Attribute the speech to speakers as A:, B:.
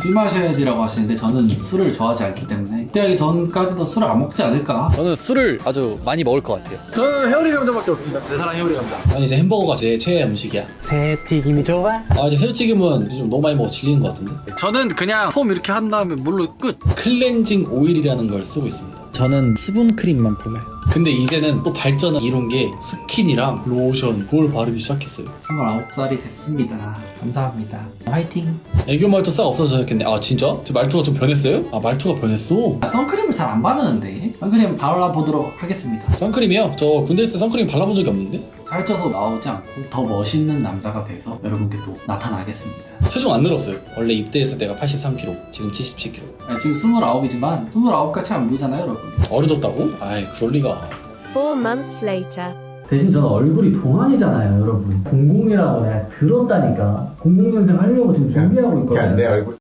A: 술 마셔야지라고 하시는데 저는 술을 좋아하지 않기 때문에 입대하기 전까지도 술을 안 먹지 않을까.
B: 저는 술을 아주 많이 먹을 것 같아요.
C: 저는 회오리 감자밖에 없습니다.
A: 내 사랑 해오리 감자.
D: 아니 이제 햄버거가 제 최애 음식이야.
C: 새튀김이 좋아?
D: 아 이제 새우튀김은 요즘 너무 많이 먹어 질리는 것 같은데.
A: 저는 그냥 폼 이렇게 한 다음에 물로 끝.
D: 클렌징 오일이라는 걸 쓰고 있습니다.
C: 저는 수분 크림만 발라요.
D: 근데 이제는 또 발전을 이룬 게 스킨이랑 로션 그걸 바르기 시작했어요.
A: 29살이 됐습니다. 감사합니다. 화이팅.
D: 애교 말투 싹 없어졌겠네. 아 진짜? 제 말투가 좀 변했어요? 아 말투가 변했어.
A: 선크림을 잘 안 바르는데 선크림 발라보도록 하겠습니다.
D: 선크림이요? 저 군대 있을 때 선크림 발라본 적이 없는데?
A: 살쪄서 나오지 않고 더 멋있는 남자가 돼서 여러분께 또 나타나겠습니다.
D: 체중 안 늘었어요. 원래 입대했을 때가 83kg, 지금 77kg.
A: 지금 29이지만 29같이 안 보이잖아요 여러분.
D: 어려졌다고? 아이 그럴 리가.
E: 4 months later.
A: 대신 저는 얼굴이 동안이잖아요 여러분. 00이라고 내가 들었다니까. 00년생 하려고 지금 준비하고 있거든요.
F: 내 얼굴